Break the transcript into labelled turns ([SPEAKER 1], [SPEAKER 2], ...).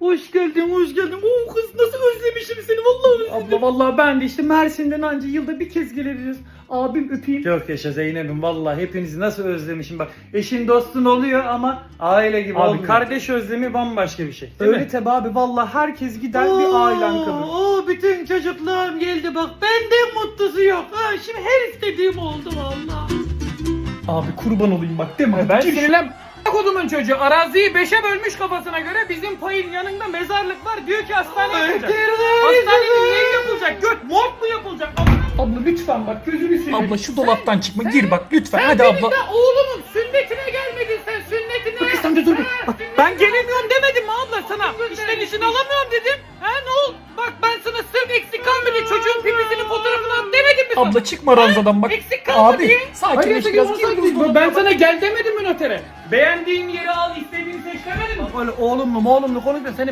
[SPEAKER 1] Hoş geldin, hoş geldin. Oo kız nasıl özlemişim seni vallahi özledim. Abla vallahi ben de işte Mersin'den anca yılda bir kez gelebiliriz. Abim öpeyim. Çok yaşa Zeynep'im vallahi hepinizi nasıl özlemişim bak. Eşin dostun oluyor ama aile gibi
[SPEAKER 2] Abi
[SPEAKER 1] olmuyor.
[SPEAKER 2] kardeş özlemi bambaşka bir şey. Değil
[SPEAKER 1] Öyle
[SPEAKER 2] mi?
[SPEAKER 1] tabi abi vallahi herkes gider bir ailen kalır. Oo bütün çocuklarım geldi bak benden mutlusu yok. Ha şimdi her istediğim oldu vallahi. Abi kurban olayım bak değil mi?
[SPEAKER 2] Ben sinirlen. Kodumun çocuğu araziyi 5'e bölmüş kafasına göre, bizim payın yanında mezarlık var, diyor ki hastane yapılacak. Hastanenin ne yapılacak? Göt morg mu yapılacak?
[SPEAKER 1] Abla lütfen bak gözünü seveyim.
[SPEAKER 2] Abla şu dolaptan çıkma, gir bak lütfen,
[SPEAKER 1] Sen
[SPEAKER 2] hadi
[SPEAKER 1] benim
[SPEAKER 2] abla.
[SPEAKER 1] de oğlumun sünnetine gelmedin sen sünnetine.
[SPEAKER 2] Kız sen de dur. Bak, ben gelemiyorum demedim mi abla sana? İşten izin alamıyorum dedim. Ha ne oldu? Bak ben sana sırf eksik kalmadı çocuğun pipisinin fotoğrafını at demedim mi sana? Abla çıkma ranzadan bak.
[SPEAKER 1] Eksik kalma
[SPEAKER 2] Abi
[SPEAKER 1] diye.
[SPEAKER 2] sakinleş biraz.
[SPEAKER 1] Ben sana gel demedim mi notere? Beğendiğin yeri al, istediğini seç demedim mi?
[SPEAKER 2] Öyle oğlumlu konuşma, senin